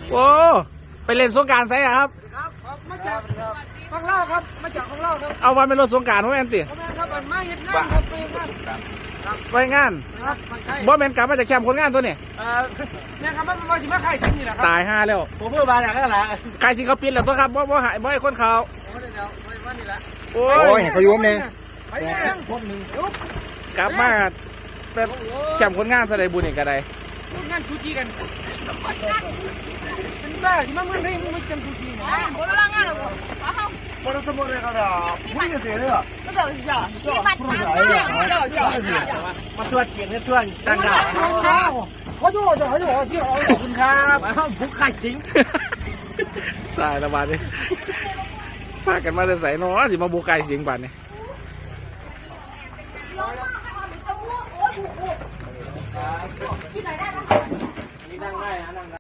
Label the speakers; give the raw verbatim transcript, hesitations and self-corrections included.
Speaker 1: โอ้ไปเล่นสงกรานต์ไซครับ
Speaker 2: ครับมาจากฟังเล่าครับมาจากฟังเล่าครับ
Speaker 1: เอาวันเป็นรถสงกรานต์พ่อแม่นติ
Speaker 2: พ่อแม่ครับมันมาเห็นงานครับไปงาน
Speaker 1: ไปงาน
Speaker 2: ครับมันใช่
Speaker 1: บ่แม่นกลับมาจากแคมป์คนงานตัวนี้
Speaker 2: เอ่อเนี่ยครับมันมาสิมาขายสิ่งนี่แหละครับ
Speaker 1: ตายห้าแล้ว
Speaker 2: ผมเพิ่งมาจากนั่นแหละ
Speaker 1: ใครสิเขาปิดแล้วตัวครับบ่บ่หายบ่ให้คนเขา
Speaker 2: ไม่ได้เดี๋ยวไม่ว่านี่แหละ
Speaker 1: โอ้
Speaker 3: โอ้ย
Speaker 1: ย
Speaker 3: เขายุ่มเนี่ย
Speaker 2: ไปยังคนหนึ่งลุก
Speaker 1: กลับมาแต่แคมป์คนงานแสดงบุญอีกก็ได้
Speaker 2: ลุกงานชูจีกันเป็นบ้าที่มันเมื่อไหร่มึงไม่จำชูจีนะ
Speaker 4: 我都让俺了我，然后
Speaker 3: พอเราสมุนเลยครับผู้หญิงเสียเลยอ่ะ
Speaker 4: 那就是叫叫叫叫叫叫。
Speaker 1: มาตรวจเกียรติตรวจต่างดาว
Speaker 2: เขาจะบอกจะเขาจะบอกที่ขอบคุณครับผู้ขายสิง
Speaker 1: ตายละบาดนี้พากันมาแต่ใส่น้อสิมาบุกไก่เสียงบาดนี้
Speaker 2: นี่นั่งได้นะนั่งได้